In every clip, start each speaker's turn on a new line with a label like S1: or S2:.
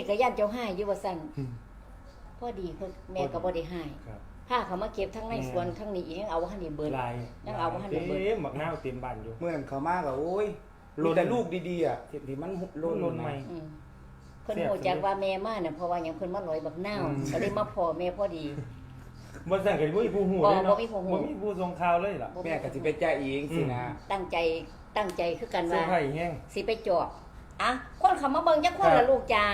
S1: ก็ย่านเจ้าให้อยู่ว่าซั่นพอดีเพิ่นแม่ก็บ่ได้ให้ถ้าเขามาเก็บทั้งในสวนทั้งนี้ยังเอาบ่ทันได้เบิดยังเอาบ่ทันได้เบิด
S2: เต็มบักนาวเต็มบ้านอยู่
S3: เมื่อนั้นเขามาก็โอ้ยมีแต่ลูกดีๆอ่ะที่มันล้นใหม่
S1: เพิ่นฮู้จักว่าแม่มาน่ะเพราะว่าหยังเพิ่นมาลอยบักนาวก็เลยมาพ้อแม่พอดี
S2: บ่สั่งก็บ่มีผู้ฮู้เลยเนาะบ่มีผู้ส่งข่าวเลยล่ะ
S3: แม่ก็สิไปจ่ายเองสินะ
S1: ตั้งใจคือกันว่าสิไปจอบอ่ะคนเขามาเบิ่งจักคนละลูกจ๋า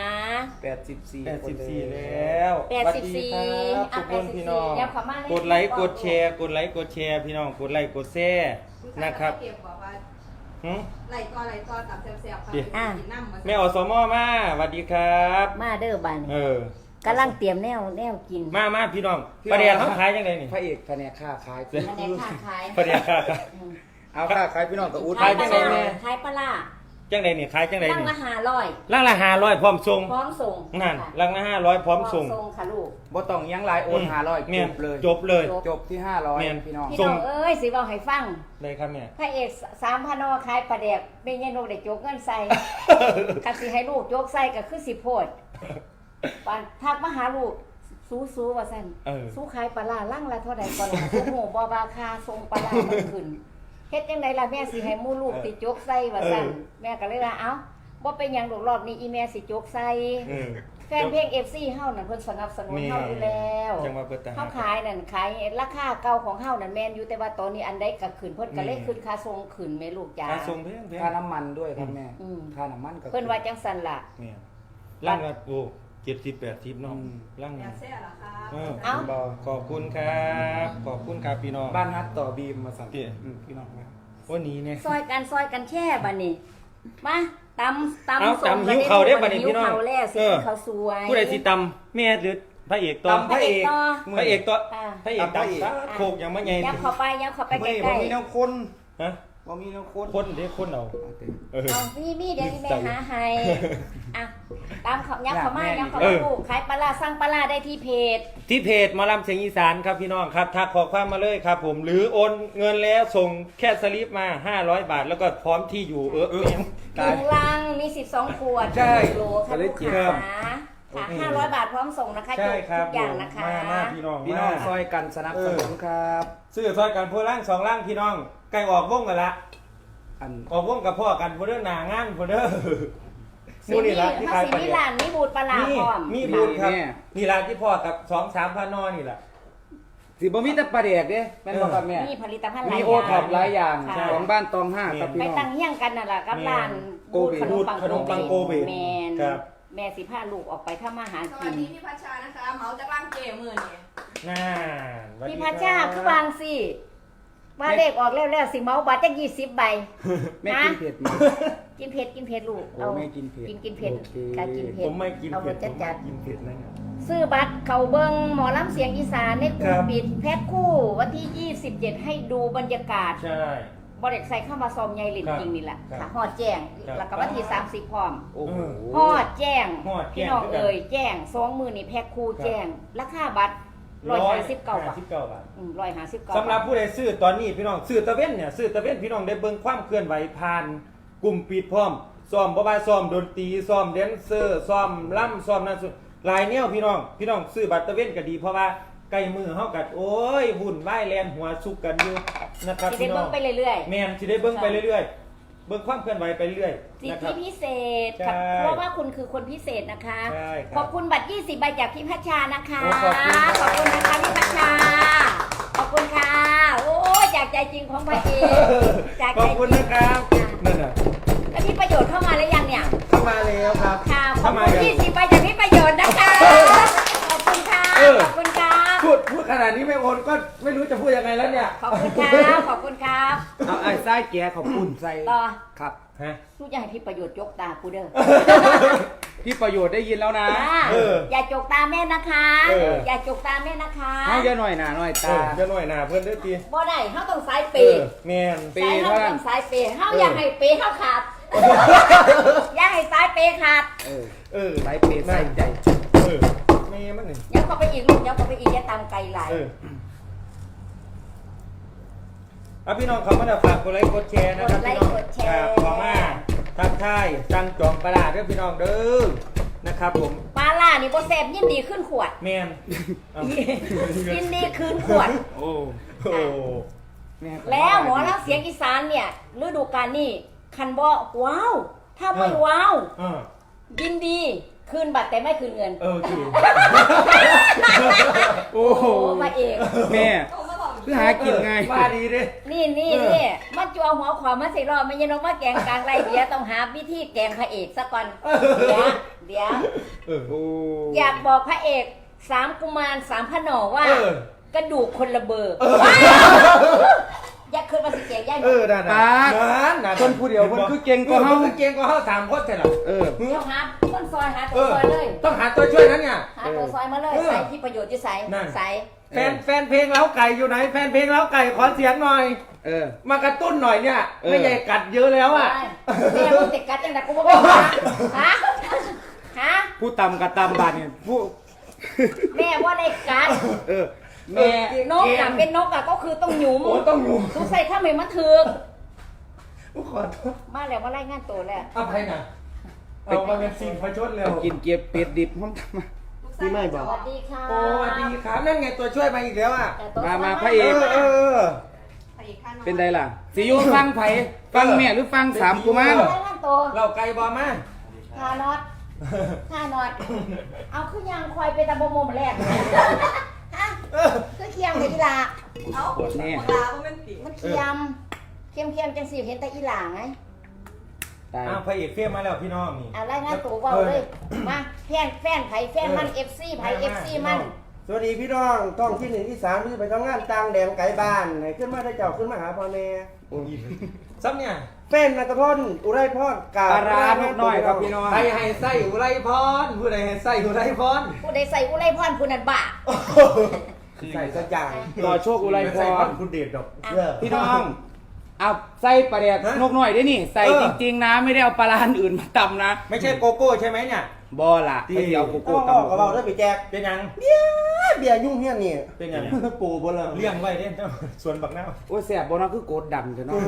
S3: 84
S2: แล้ว84ทุกคนพี่น้องกดไลค์กดแชร์พี่น้องกดไลค์กดแชร์นะครับ
S4: ไหลต่อตับแซ่บๆค่ะ
S2: แม่อสมมาสวัสดีครับ
S1: มาเด้อบัด
S2: นี้
S1: กำลังเตรียมแนวกิน
S2: มาพี่น้องประเดี๋ยวเขาขายจังได๋นี่
S3: พระเอกแผนกค้าขาย
S1: แผนกค้าขาย
S2: ประเดี๋ยวค้า
S3: เอาค้าขายพี่น้องก็อุด
S1: ขายจังได๋แม่ขายปลาร้า
S2: จังได๋นี่ขายจังได๋นี่
S1: ลังละ500
S2: ลังละ500พร้อมส่งนั่นลังละ500พร้อมส่ง
S1: ค่ะลูก
S3: บ่ต้องยังหลายโอน500
S2: จบเลย
S3: จบที่500พี่น้อง
S1: เอ้ยสิเว้าให้ฟัง
S2: ได้ครับแม่
S1: พระเอก3,000นขายปลาแดกแม่ยายนกได้จกเงินใส่คันสิให้ลูกจกใส่ก็คือสิโพดปานทักมาหาลูกสู้ว่าซั่นสู้ขายปลาร้าลังละเท่าใดก่อนล่ะโอ้โหบ่ว่าค่าส่งปลาร้ามันขึ้นเฮ็ดจังได๋ล่ะแม่สิให้หมู่ลูกติจกใส่ว่าซั่นแม่ก็เลยว่าเอ้าบ่เป็นหยังดอกรอบนี้อีแม่สิจกใส่แฟนเพลง FC เฮานั่นเพิ่นสนับสนุนเฮาอยู่แล้วเฮาขายนั่นขายราคาเก่าของเฮานั่นแม่นอยู่แต่ว่าตอนนี้อันใดก็ขึ้นเพิ่นก็เลยขึ้นค่าส่งขึ้นแม่ลูกจ๋า
S2: ค่าส่งแพง
S3: ค่าน้ำมันด้วยครับแม่ค่าน้ำมันก็
S1: เพิ่นว่าจังซั่นล่ะ
S2: เนี่ยลังละโอ้70-80เนาะลัง
S4: แซ่ล่ะครับ
S2: ขอบคุณครับพี่น้อง
S3: บ้านฮัทต่อบีมมาสั่งพี่น้องนะ
S2: วันนี้เนี่ย
S1: ซอยกันแช่บัดนี้มาตำ
S2: ส่งหิวเขาได้บัดนี้พี่น้อง
S1: เขาสวย
S2: ผู้ใดสิตำแม่หรือพระเอกต่อพระเอกต่อพระเอกตำโคกยังไม่ใหญ่
S1: ยังเข้าไปใกล้ๆ
S3: บ่มีแนวคน
S2: ฮะ
S3: บ่มีแนว
S2: คนเด้คนเอา
S1: มีเดี๋ยวแม่หาให้อ่ะตามเขายักเข้ามาลูกขายปลาสั่งปลาได้ที่เพจ
S2: หมอลำเสียงอีสานครับพี่น้องครับทักข้อความมาเลยครับผมหรือโอนเงินแล้วส่งแค่สลิปมา500บาทแล้วก็พร้อมที่อยู่
S1: ลังมี12ขวดโลค่ะลูกค้าค่ะ500 บาทพร้อมส่งนะคะทุกอย่างนะคะ
S2: มาพี่น้อง
S3: ซอยกันสนับสนุนครับ
S2: ซื้อซอยกันพวกล่าง2ล่างพี่น้องใกล้ออกวงกันละออกวงกับพ่อกันพวกเด้อหน้างานพวกเด้อ
S1: มูนี่ล่ะที่ขายมีร้านมีบูธปลาพร้อม
S2: มีบูธครับนี่ร้านที่พ่อกับ2-3พันนอนี่แหละ
S3: สิบ่มีแต่ปลาแดกเด้แม่นบ่ครับแม่
S1: มีผลิตภัณฑ์หลายอย่าง
S3: มีโอท็อปหลายอย่างของบ้านตอง5ครับพี่น้อง
S1: ไปตั้งเฮี้ยงกันน่ะล่ะกับร้าน
S2: บูธขนมปังโกเบ
S1: แม่นครับแม่สิพาลูกออกไปทำมาหากิน
S4: สวัสดีพี่พัชชานะคะเมาจากร่างเกมื้อนี้
S1: พี่พัชชาคือวางสิว่าเลขออกแล้วสิเมาบัตรจัก20ใบ
S3: แม่กินเผ็ดมั้ย
S1: กินเผ็ดลูก
S3: เอาแม่กินเผ็ด
S1: กินเผ็ดการกินเผ็ด
S2: ผมไม่กินเผ็ด
S1: จัด
S2: กินเผ็ดนะ
S1: ซื้อบัตรเขาเบิ่งหมอลำเสียงอีสานในกลุ่มปิดแพ็คคู่วันที่27ให้ดูบรรยากาศ
S2: ใช่
S1: บ่ได้ใส่เข้ามาซอมใหญ่ลิ้นจริงนี่แหละค่ะฮอดแจ้งแล้วก็วันที่30พร้อมฮอดแจ้งพี่น้องเอ่ยแจ้ง2มื้อนี่แพ็คคู่แจ้งราคาบัตร159 บาท159
S2: สำหรับผู้ใดซื้อตอนนี้พี่น้องซื้อตะเว้นเนี่ยซื้อตะเว้นพี่น้องได้เบิ่งความเคลื่อนไหวผ่านกลุ่มปิดพร้อมซ้อมบ่ว่าซ้อมดนตรีซ้อมแดนเซอร์ซ้อมล่ำซ้อมนั่นหลายแนวพี่น้องซื้อบัตรตะเว้นก็ดีเพราะว่าใกล้มือเฮากัดโอ้ยวุ่นวายแลนหัวสุกกันอยู่นะครับ
S1: พี่น้องสิได้เบิ่งไปเรื่อย
S2: ๆแม่นสิได้เบิ่งไปเรื่อยๆเบิ่งความเคลื่อนไหวไปเรื่อย
S1: สิทธิพิเศษเพราะว่าคุณคือคนพิเศษนะคะขอบคุณบัตร20ใบจากพี่พัชชานะคะขอบคุณนะคะพี่พัชชาขอบคุณค่ะโอ้จากใจจริงของพระเอก
S2: ขอบคุณนะครับนั่นน่ะ
S1: แล้วพี่ประโยชน์เข้ามาแล้วยังเนี่ย
S2: เข้ามาแล้วครับ
S1: ค่ะขอบคุณ20ใบจากพี่ประโยชน์นะคะขอบคุณค่ะขอบคุณค่ะ
S2: พูดขนาดนี้ไม่โอนก็ไม่รู้จะพูดยังไงแล้วเนี่ย
S1: ขอบคุณครับขอบคุณครับ
S3: เอาไอ้ไส้แกขอบคุณใส่
S1: ต่อ
S3: ครับ
S2: ฮะ
S1: สู้อย่าให้พี่ประโยชน์ยกตากูเด้อ
S3: พี่ประโยชน์ได้ยินแล้วนะ
S1: อย่าจกตาแม่นะคะอย่าจกตาแม่นะคะ
S3: เฮาอย่าหน่อยหน้าหน่อยตา
S2: อย่าหน่อยหน้าเพิ่นเด้อติ
S1: บ่ได้เฮาต้องสายเป
S2: แม่น
S1: เปเฮาต้องสายเปเฮาอย่าให้เปเฮาขาดอย่าให้สายเปขาด
S3: สายเปสายใจ
S2: แม่มันนี่
S1: ยับเข้าไปอีกลูกยับเข้าไปอีกอย่าตามไกลหลาย
S2: พี่น้องเขามาฝากกดไลค์กดแชร์นะครับพี่น้องขอมาทักทายสั่งจองปลาเด้อพี่น้องเด้อนะครับผม
S1: ปลาล่านี่บ่แซ่บยินดีขึ้นขวด
S2: แมนเอา
S1: ยินดีคืนขวด
S3: โอ้
S2: โอ้
S3: ม่ก็
S1: แล้วหมอลำเสียงอีสานเนี่ยฤดูกาลนี้คันบ่ว้าว ถ้าไม่ว้าว
S2: เออ
S1: ยินดีคืนบัตรแต่ไม่คืนเงิน
S2: คือ
S3: โอ้โห
S1: มาเอง
S3: แม่
S4: โอ้มาบอก
S3: คือหากินไง
S2: ว่าดีดิ
S1: นี่มันจัวหัวขวามาใส่รอบไม่ยันนกมาแกงกลางไรเดียวต้องหาวิธีแกงพระเอกซะก่อนเดี๋ยว
S3: โอ้
S1: อยากบอกพระเอก3กุมาร3พระหนอว่า กระดูกคนละเบอร์อยากคืนมาสิเกียย่าย
S2: นั่น
S3: ปาด
S2: นั่น
S3: คนผู้เดียวคนคือเก่งกว่าเฮา
S2: คือเก่งกว่าเฮา3คนแต่ละ
S3: เออ
S1: เดี๋ยวหาคนซอยหาตัวซอยเลย
S2: ต้องหาตัวช่วยนั้นเนี่ย
S1: หาตัวซอยมาเลยใส่ที่ประโยชน์ที่ใส่
S2: นั่น
S1: ใส่
S2: แฟนเพลงเล้าไก่อยู่ไหนแฟนเพลงเล้าไก่ขอเสียงหน่อย
S3: เออ
S2: มากระตุ้นหน่อยเนี่ย
S3: เออ
S2: ไม่ใหญ่กัดเยอะแล้วอ่ะ
S1: แม่มึงติดกัดจังแต่กูบอกว่าฮะ
S3: ผู้ตำกับตำบาดเนี่ยผู้
S1: แม่ว่าได้กัด
S3: เออ แม่
S1: นกอะเป็นนกอะก็คือต้องหยุม
S2: โอ้ต้องอยู่
S1: ทุกใส่ข้าวเหม็นมันถือก
S2: ขอโทษ
S1: มาแล้วมาไล่งานตัวแล้ว
S2: อภัยนะเอามาเป็นสิ่งประชดเร็ว
S3: กินเก็บเป็ดดิบห้องทำมา
S4: ลูกชายไม่บ
S1: ส
S4: อก
S1: วัสดีค่ะ
S2: โอ้สวัสดีครับนั่นไงตัวช่วยมาอีกแล้วอ่ะ
S1: แต่ตัว
S3: มาพระเอก
S2: เออ
S4: ไปอีกขั้น
S3: เป็นไดล่ะสิอยู่ฟังไผฟังแม่หรือฟังสามกุมาร
S1: ไล่งานตัว
S2: เราไก่บอมา
S1: ทานอตทานอตเอาขึ้นยางควายไปตะบมมแรกฮะคือเคียมกับอีหลา
S4: เอ้า
S3: ปวดแน่
S4: ลาเพราะมันติ
S1: มันเคียมจังสิเห็นแต่อีหลาไง
S3: ตาย
S2: อ้าวพระเอกเฟี้ยมาแล้วพี่น้องนี่
S1: เอาไล่งานตัวว่าเลยมาแฟนไผแฟนมัน FC ไผ FC มัน
S5: สวัสดีพี่น้องท้องที่หนึ่งที่สามที่ไปทำงานต่างแดนไกลบ้านไหนขึ้นมาได้เจ้าขึ้นมาหาพ่อแม่
S2: ซ้ำเนี่ย
S5: แฟนนัตพลอุไรพรกา
S3: ปลาร้านกน้อยครับพี่น้อง
S2: ใครให้ไส้อุไรพรผู้ใดให้ไส้อุไรพร
S1: ผู้ใดใส่อุไรพรผู้นั้นบ้า
S5: ใส่สักอย่าง
S3: รอโชคอุไรพ
S2: ใส่
S3: ร
S2: คุณเดชดอก
S3: พี่น้องเอาใส่ปลาแดกนกน้อยได้นี่ ใส่จริงๆนะไม่ได้เอาปลาร้านอื่นมาตำนะ
S2: ไม่ใช่โกโก้ใช่ไหมเนี่ย
S3: บอล่ะไม่ได้เอาโก
S5: โอ้
S3: โก้
S5: โห
S3: ตำ
S5: กับเราได้ไปแจก
S2: เป็นยัง
S5: เบียร์ยุ่งเฮี้ยนนี่
S2: เป็นยัง
S5: ปูบนเลย
S2: เลี้ยงไว้เด้ส่วนบักหน้า
S3: โอ้ยแสบบอนะคือโกดดำเถอะเนาะ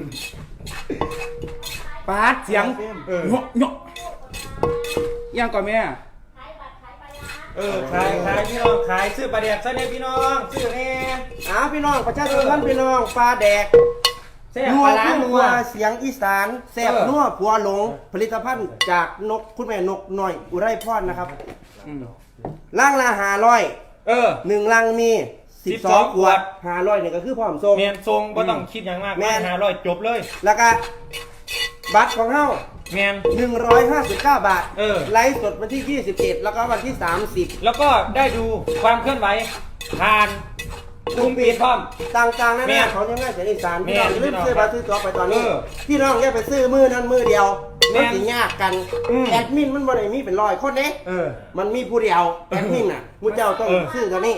S3: ปาดเสียงเงาะเงาะยังก่อนแม่
S2: ขายพี่น้องขายซื้อปลาแดกซะเนี่ยพี่น้องซื้อเนี่ย
S5: พี่น้องประชาชนท่านพี่น้องปลาแดก
S2: แซ่บ
S5: นั
S2: ป
S5: ว
S2: ลาร้า
S5: ขึ้น
S2: นั
S5: นั
S2: ว
S5: วเสียงอีสานแซ่บนัวผัวหลง ผลิตภัณฑ์จากนกคุณแม่นกหน่อยอุไรพรนะครับ
S3: อืม
S5: ล่างละ500
S2: เออ
S5: 1ลังมี
S2: 12
S5: 12 ขวด500นี่ก็คือพร้อมส่ง
S2: เมียนทรงก็ต้องคิดอย่างมาก
S5: แม่น
S2: 500จบเลย
S5: แล้วก็บัตรของเฮา
S2: เมียน
S5: 159 บาท
S2: เออ
S5: ไลฟ์สดวันที่ 27 แล้วก็วันที่ 30
S2: แล้วก็ได้ดูความเคลื่อนไหวผ่านกลุ่มปิดพร้อม
S5: ต่างๆนั่น
S2: แม่
S5: แหละของยังไงเสียงอีสานพี่น้องอย่าลืม
S2: แม่น
S5: ซื้อบัตรซื้อตั๋วไปตอนนี้
S2: เออ
S5: พี่น้องอย่าไปซื้อมือนั้นมือเดียว
S2: แม่
S5: มัน
S2: น
S5: สิยากกัน
S2: อืม
S5: แอดมินมันบ่ได้มีเป็นร้อยคนเด้
S2: เออ
S5: มันมีผู้เดียวแอดมินน่ะผู้เจ้าต้อง
S2: เออ
S5: ซื้อตัวนี้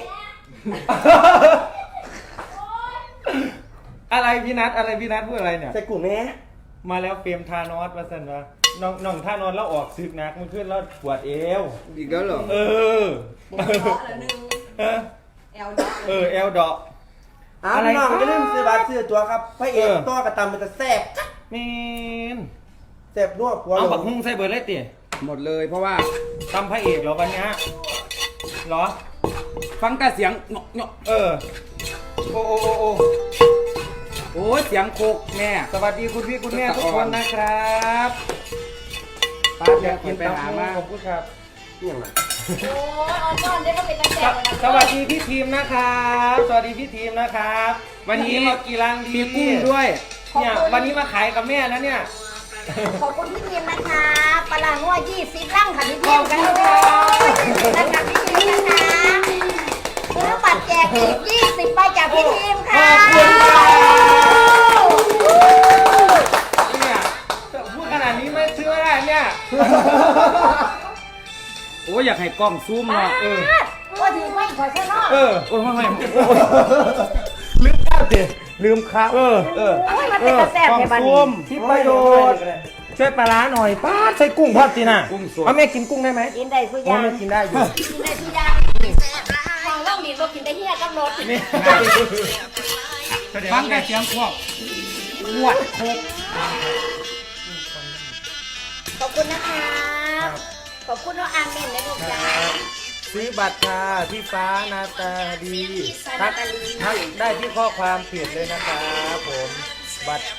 S2: อะไรพี่นัทพูดอะไรเนี่ย
S5: ใส่กลุ่มแม่
S2: มาแล้วเฟรมทานอสมาสั่นวะน้องทานอสแล้วออกซึกนักมันขึ้นแล้วปวดเอว
S3: อีกแล้วเหรอ
S2: เออ
S4: เนาะละหนึ่ง
S2: เออ
S4: แอลเนาะ
S2: เอลดอก อะไร
S5: พี่น้อง
S2: ครับ
S5: อย่าลืมซื้อบัตรซื้อตั๋วครับพระเอก
S2: เออ
S5: ตัวกระตำมันจะแซ่บ
S2: เมน
S5: แซ่บนัวผัว
S2: เอา
S5: หล
S2: บัก
S5: ง
S2: ฮุ้งใส่เบิร์ดเลยติ
S3: หมดเลยเพราะว่า
S2: ตำพระเอกเหรอวันเนี้ยเหรอ
S3: ฟังแต่เสียงเงาะเงาะ
S2: เออ โอ้โอ้โอ้โอ้
S3: โอ้ยเสียงโคกแม่
S2: สวัสดีคุณพี่คุณแม่ทุกคนนะครับ
S3: ป้าแกกินไปหามา
S2: ขอบคุณครับ
S5: เนี่ยนะ
S1: โอ้ยออนก้อนได้ก็เป็นตะแกรง
S2: สวัสดีพี่ทีมนะครับ สวัสดีพี่ทีมนะครับ วันนี้มากี่รังดี
S3: มีกุ้งด้วย
S2: เนี่ยวันนี้มาขายกับแม่แล้วเนี่ย
S1: ขอบคุณพี่ทีมนะคะปลาร้างัว20ลังค่ะพี่ทีมกันเลยนะคะพี่ทีมนะคะซื้อบัตรแจกอีก20ใบจากพี่ทีมค่ะ
S2: ขอบคุณครับ เนี่ยพูดขนาดนี้ไม่ซื้อไม่ได้เนี่ย
S3: โอ้ยอยากให้กล้องซูมเนาะ
S1: ว่าถือไม่ขอซะเนาะ
S2: เออ
S3: โอ้ยไม่
S2: ลืมข้าวสิลืมข้าวเออ
S1: โอ้ยมันเป็นกระแสในบ้านนี้
S2: ที่ประโยชน์ช่วยปลาร้าหน่อยป้าใส่กุ้งพอดสินะ
S3: กุ้งสด
S2: เอาแม่กินกุ้งได้ไหม
S1: กินได้สุ
S2: โอ้
S1: ยาง
S2: แม่กินได้อยู่
S1: กินได้ทุกอย่างฟังเล่าดีก็กินได้เฮียกับรถ
S2: นี่
S3: ฟังแต่เสียงพวกขวดโคก
S1: ขอบคุณนะคะขอบคุณน้องอาร์เมนนะลูกจ้า
S2: ซื้อบัตรค่ะพี่ฟ้านาตาดี
S1: นาตาลี
S2: ทักได้ที่ข้อความเพจเลยนะครับผมบัตร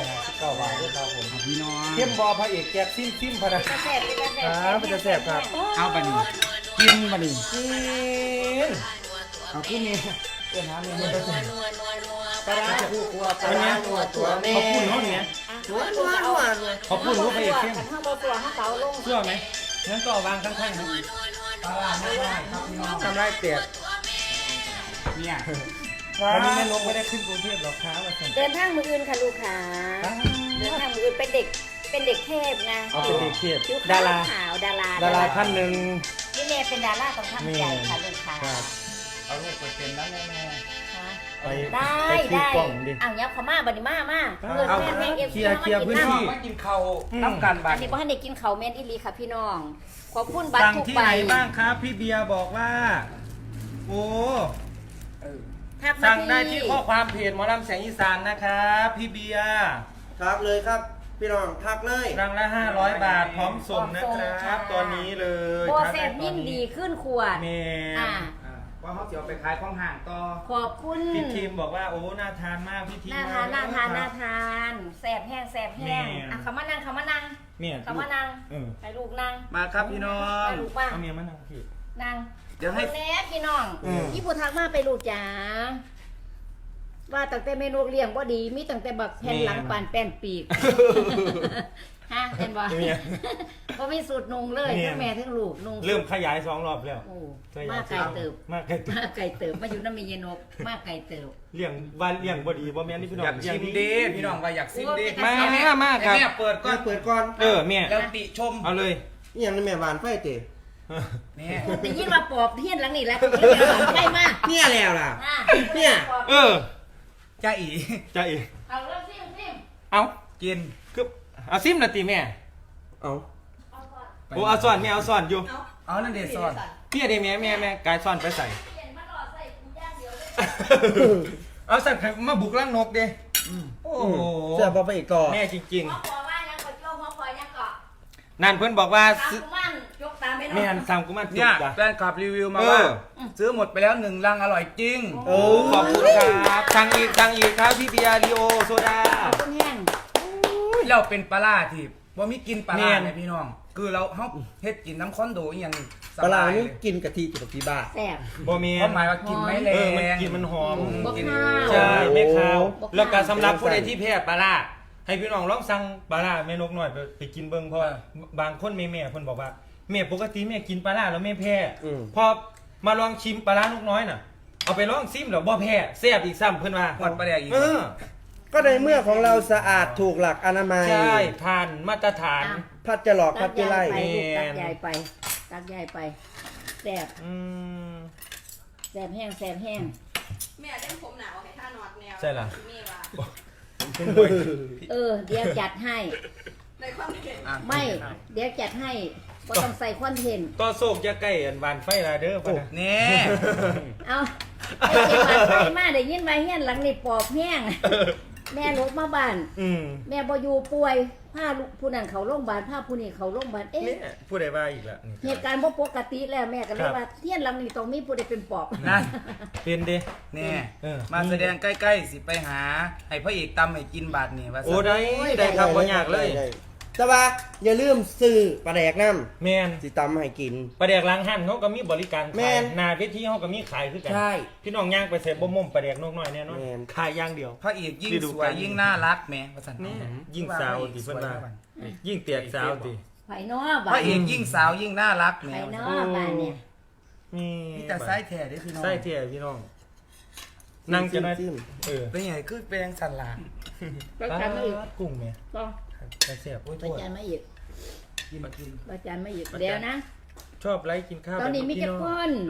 S2: 159 บาทด้วยครับผม
S3: พี่น้อง
S2: เข้มบอพระเอกแจ็คซิมพะนะ
S1: จะแซ่บจะแซ่บ
S2: ครับมันจะแซ่บครับ
S3: เอาบัดนี้กินบัดนี้
S2: กิน
S3: เอาขึ้นนี่เพื่อนหาเมียมันก็
S5: ปลาร้าคู่ครัวปลาร้าตัวตัวแม่
S2: ขอบคุณเขาเนี่ย
S5: นัวนัวนัวนัว
S2: ขอบคุณรู้พระเอกเข้ม
S1: ข้างบนตัวข้างเตาลง
S2: เชื่อไหมงั้นก็เอาวางข้างๆนะ
S3: ปลาร้าไม่ได้ครับพี่น้อง
S2: ทำไรเตียด
S3: เนี่ย
S2: วันนี้แม่นกไม่ได้ขึ้นกรุงเทพหรอกครับว่าซั่น
S1: เดินทางมืออื่นค่ะลูกค้าเดินทางมืออื่นเป็นเด็กเทพไง
S2: เอาเป็นเด็กเทพ
S1: ผิว
S2: ดารา
S1: ขาวดารา
S2: ดาราท่านหนึ่ง
S1: นี่แม่เป็นดาราต้องทำใจค่ะลูกค้า
S2: ครับ
S3: เอาลูกไปเป็นแล้วแม่
S2: ไป
S1: ได้
S2: ไปซื้อ
S1: ได้
S2: กล่องดิ
S1: อ้าวยับเขามาบัดนี้มา
S2: เอา
S1: แม่แม่เอฟ
S2: เคลียร์พื้นที่
S3: ไม่กินข้าวน้ำกันบั
S1: อั
S3: ด
S1: นนี้บ่ทันได้กินข้าวแม่นอีหลีค่ะพี่น้องขอบคุณบัตร
S2: สั่ง
S1: ทุก
S2: ที่
S1: ใบ
S2: ไหนบ้างครับ พี่เบียร์บอกว่า โอ้
S1: ทักมา
S2: สั่งได้ที่ข้อความเพจหมอลำแสงอีสานนะครับ พี่เบียร์
S5: ทักเลยครับ พี่น้องทักเลย
S2: รังละ500 บาทพร้อมส่งนะครับ ตอนนี้เลย
S1: โบ
S2: ทัก
S1: เซ
S2: ได้
S1: น
S2: ตอ
S1: ยิ่ง
S2: นี้
S1: ดีขึ้นขวด
S2: แม่
S1: อ่า
S3: ว่าเขาเสียวไปขายของห่างต่อ
S1: ขอบคุณ
S2: พี่ทีมบอกว่าโอ้น่าทานมากพี่ทีม
S1: น่าทานน่าทานน่าทานแสบแห้งแสบแห้ง
S2: แม่
S1: อ่ะเขามานั่ง
S2: เนี่ย
S1: เขามานั่ง
S2: เออ
S1: ไปลูกนั่ง
S3: มาครับพี่น้อง
S1: ไปลูกป้า
S2: เอาเมียมานั่งพี่
S1: นั่ง
S3: เดี๋ยวให้
S1: อาแน่พี่น้อง
S2: อืม
S1: พี่ผู้ทักมาไปลูกจ๋าว่าตั้งแต่เมนูเลี้ยงบ่ดีมีตั้งแต่บักแผ่นหลังปานแป้นปีกฮะเห็นบ่
S2: เมีย
S1: บ่มีสูตรนุงเลย
S2: แม่
S1: ทั้งแม่ทั้งลูกนุง
S2: เริ่มขยาย2 รอบแล้ว
S1: โอ้
S2: ขย
S1: มาย ไกลเติบ
S2: มากไกลเติบ
S1: มาไกลเติบมาอยู่น้ำมีเยนกมาไกลเติบ
S2: เลี้ยงวันเลี้ยงบ่ดีบ่แม่นนี่พี่น้อง
S3: อยากชิมดีพี่น้องว่าอยากชิมดี
S1: โอ้ย
S2: มาครับ
S3: แม่เปิดก่
S5: ก็
S3: อน
S5: เปิดก่อน
S2: เออแม่
S3: แล้วติชม
S2: เอาเลย
S5: นี่ยังในแม่หวานไฟเตะ
S3: นี่
S1: แต่ยิ่งมาปอบเทียนหลังนี่แหล้วใกล้มาก
S5: เนี่ยแล้วล่ะ
S1: อ่ะ
S5: เนี่ย
S2: เออ
S3: จ้าอี
S2: จ้าเอ๋
S1: เอาเริ่มซิม
S2: เอา
S3: กิน
S2: คือเอาซิมละติแม่
S5: เอา
S1: เอาก่อน
S2: โอ้เอาซ่อนแม่เอาซ่อนอยู่
S3: เอานั่นเดซอน
S2: พี่เดแม่กายซ่อนไปใส่
S1: เปลี่ยนมาหลอดใส่กูย่างเดียวเลย
S2: เอาสั่นมาบุกร่างนกเด้โอ้โห
S5: เสื้อพอไปอีกต่อ
S2: แม่จริง
S1: หัวคอว่ายังกดโจ้หัวคอยังเกาะ
S2: ๆนั่นเพิ่นบอกว่า
S1: ตาม
S2: ซื้อ
S1: กุมันยกตามไปหน่
S2: แม่
S1: อย
S2: นสั่งกูมาจุ
S3: เนี่ย
S2: กจ้ะ
S3: แฟนคลับรีวิวมาว่า ซื้อหมดไปแล้ว1 ลังอร่อยจริง
S2: โอ้ขอบคุณครับสั่งอีกครับพี่เบียร์ลีโอโซดา
S1: ขอบคุณแห้ง
S3: เราเป็นปลาร้าที่ว่ามีกินปลาร้า
S2: แม่น
S3: เนี่ยพี่น้อง คือเราเฮาเฮ็ดกินน้ำคอนโดอหย่างส
S5: ปลา
S3: บาย
S5: นี่
S3: เลย
S5: กินกะทิจุกที่บ้าน
S1: แซ่บ
S2: บ่แม่
S3: เพราะหมายว่ากินไม่แร
S2: เออมัน
S3: ง
S2: กินมันหอม
S1: บ่
S3: กิน
S1: ข้าว
S2: ใช่แม่ข้าว
S1: บอก
S2: แล้วก็
S1: ข้าว
S2: สำหรับผู้ใดที่แพ้ปลาร้าให้พี่น้องลองสั่งปลาร้าแม่นกหน่อยไปกินเบิ่งเพราะว่าบางคนแม่เพิ่นบอกว่าแม่ปกติแม่กินปลาร้าแล้วแม่แพ้
S5: อืม
S2: พอมาลองชิมปลาร้านกน้อยน่ะ เอาไปลองซิมแล้วบ่แพ้แซ่บอีกซ้ำเพิ่นว่า
S3: หอดปลาแดกอีก
S2: เออ
S5: ก็ในเมื่อของเราสะอาดถูกหลักอนามัย
S2: ใช่ผ่านมาตรฐาน
S5: พัดจะหลอกพัดจะไล่
S1: ตักยายไปลูก
S2: แม่
S1: ตักยายไปตักยายไปแซ่บ
S2: อืม
S1: แซ่บแห้งแซ่บแห้ง
S4: แม่เล่นผมหนาวให้ท่านอนแนว
S2: ใช่ล่ะ
S4: แม่ว่า
S2: เป็นบ่อย
S1: เดี๋ยวจัดให้
S4: ในความเห็น
S3: อ่ะ
S1: ไม่เดี๋ยวจัดให้ก็ต้องใส่คอนเทนต์
S2: ต่อโศกจะใกล้อันหวานไฟลาเด้อพ่อนะ
S3: นี่
S1: เอาไอ้เก็บมาใส่มาได้ยินไว้เฮียนหลังนี่ปอบแห้งแม่ลบมาบ้าน
S2: อืม
S1: แม่บ่อยู่ป่วยพาลูกผู้นั้นเขาโรงพยาบาลพาผู้นี้เขาโรงพยาบาลเอ๊ะ
S2: นี่ผู้ใดว่าอีกละนี่
S1: เหตุการณ์บ่ปกติแล้วแม่ก็เล
S2: ครั
S1: ย
S2: บ
S1: ว่าเทียนหลังนี้ต้องมีผู้ใดเป็นปอบ
S3: นั่น
S2: เป็นเด้
S3: นี่
S2: เออ
S3: มาแสดงใกล้ๆสิไปหา ให้พระเอกตำให้กินบาทนี่ว่า
S2: โอ้ได้ได้ครับบ่ยากเลย
S5: ได้แต่ว่าอย่าลืมซื้อปลาแดกน้
S2: แม่น
S5: ำสิตำให้กิน
S2: ปลาแดกล้างหั่นเขาก็มีบริการ
S5: แม่
S2: ขาย
S5: น
S2: หน้าเวทีเขาก็มีขายคือกัน
S5: ใช่
S2: พี่น้องย่างไปใส่บ่ม่มปลาแดกนกน้อยแน่นอน
S5: แม่น
S2: ขายอย่างเดียว
S3: พระเอกยิ่ง
S2: ฤดู
S3: สวย
S2: กาล
S3: ยิ่งน่ารักแหมว่าซั่น
S2: นี่ยิ่งสาวดิเพิ่นว่ายิ่งเตียกสาวดิ
S1: ไผเนาะ
S3: พ
S1: บ้า
S3: ระ
S1: น
S3: เอกยิ่งสาวยิ่งน่ารักแหม
S1: ไผเนาะบ้านเนี่ย
S2: นี่
S3: นี่แต่ไส้แท้เด้อพี่น้อง
S2: ไส้เทียพี่น้อง นั่งจะได้
S5: จิ้ม
S2: เออ
S3: เป็นไงคือเป็นสันหลา
S1: ไปจานมาอีก
S2: กุ้งเนี่ย
S1: ก็
S2: ไปเสียบโอ้ย
S1: ไป
S2: โทษ
S1: จานมาอีก
S3: กินกิน
S1: ไปจานมาอีกเดี๋ยวนะ
S2: ชอบไลค์กินข้าว
S1: ตอนนี้มีกี่คน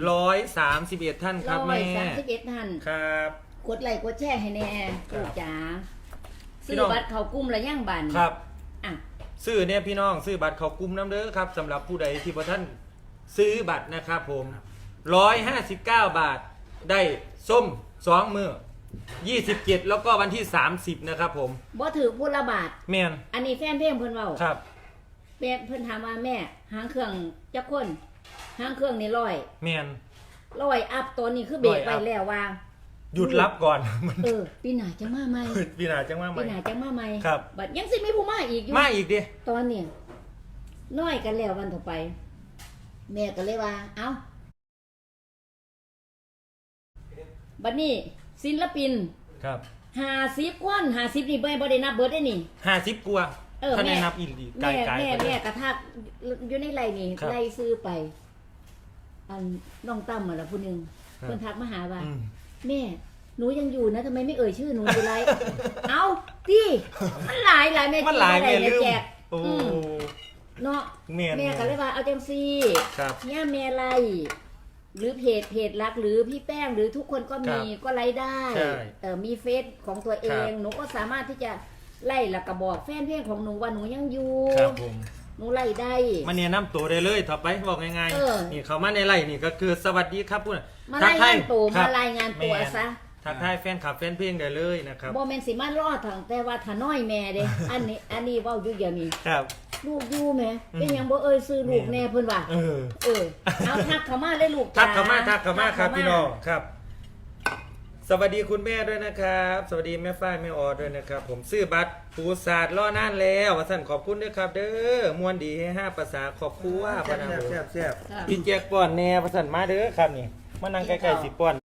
S2: 131 ท่านครับแม่
S1: 131ท่าน
S2: ครับ
S1: กดไลค์กดแชร์ให้แน่
S2: ครับ
S1: ลูกจ๋า
S2: พี่
S1: ซื้อ
S2: น้อง
S1: บัตรเขากลุ้มละย่างบัน
S2: ครับ
S1: อ่ะ
S2: ซื้อเนี่ยพี่น้องซื้อบัตรเขากลุ่มน้ำเด้อครับสำหรับผู้ใดที่พอท่านซื้อบัตรนะครับผม159 บาท ได้ส้ม2มื้อ27 แล้วก็วันที่ 30 นะครับผม
S1: บ่ถือพูดละบาท
S2: แม่น
S1: อันนี้แฟนเพลงเพิ่นเว้า
S2: ครับ
S1: แม่เพิ่นถามว่าแม่หางเครื่องจักคนหางเครื่องนี่100
S2: แม่น
S1: อัพตัวนี้คือเบรก
S2: 100
S1: ไว้แล้วว่า
S2: หยุดรับก่อน
S1: ปีหน้าจะมาใหม่
S2: ปีหน้าจังว่าให
S1: ปี
S2: ม่
S1: หน้าจะมาใหม่
S2: ครับ
S1: บัดยังสิมีผู้มาอีกอยู่
S2: มาอีกดิ
S1: ตอนเนี่ยน้อยกันแล้ววันต่อไป แม่ก็เลยว่า เอ้าบัดนี้ศิลปิน
S2: ครับ
S1: 50คน50นี่บ่ได้นับเบิดได้นี่
S2: 50กว่าถ้าได้นับอีหลีไกล
S1: แม่กระทักอยู่ในไลน์นี่
S2: ครับ
S1: ไล่ซื้อไป อันน้องตั้มมาละผู้หนึง
S2: ครับ
S1: เพิ่นทักมาหาว่า
S2: อืม
S1: แม่หนูยังอยู่นะทำไมไม่เอ่ยชื่อหนูอยู่ไร เอาพี่มันหลายแม่
S2: มันหลาย
S1: แม่
S2: แม่ลืม
S1: แจก
S2: โอ้
S1: เนาะ
S2: แม่น
S1: แม่ก็เลยว่าเอาจังซี่
S2: ครับ
S1: เนี่ยแม่ไล่หรือเพจรักหรือพี่แป้งหรือทุกคนก็มี
S2: ครับ
S1: ก็ไล่ได้
S2: ใช่
S1: มีเฟซของตัวเอง
S2: ครับ
S1: หนูก็สามารถที่จะไล่แล้วก็บอกแฟนเพลงของหนูว่าหนูยังอยู่
S2: ครับผม
S1: หนูไล่ได้
S2: มาเนี่ยนำตัวได้เลยต่อไปบอกง่าย
S1: เออ
S2: ๆนี่เขามาในไลน์นี่ก็คือสวัสดีครับพูด
S1: มาไล่งานตัว
S2: ค
S1: มา
S2: บ
S1: รายงานตัว
S2: แม่
S1: ซะ
S2: ทักทายแฟนคลับแฟนเพลงได้เลยนะครับ
S1: บ่แม่นสิมารอดทางแต่ว่าถ้าน้อยแม่เด้ อันนี้เว้าอยู่อย่างนี้
S2: ครับ
S1: ลูกอยู่แม่เป็นหยังบ่เอ่ยซื้อลูกแน่เพิ่นว่า
S2: เออ
S1: เอาทักเข้ามาเลยลูก
S2: ทั
S1: จ๋
S2: กเข้ามาครับพี่น้องครับ สวัสดีคุณแม่ด้วยนะครับ สวัสดีแม่ฝ้ายแม่ออด้วยนะครับ ผมซื้อบัตรปูศาสตร์ล่อนานแล้วว่าสั่นขอบคุณด้วยครับ เด้อมวนดีให้5ภาษาขอบคุณว่าพะนะผม
S5: แซ่บ
S1: ค่ะ
S2: พี่แจกป้อนแน่ว่าสั่นมาเด้อครับนี่มานั่งใกล้ๆสิป้อน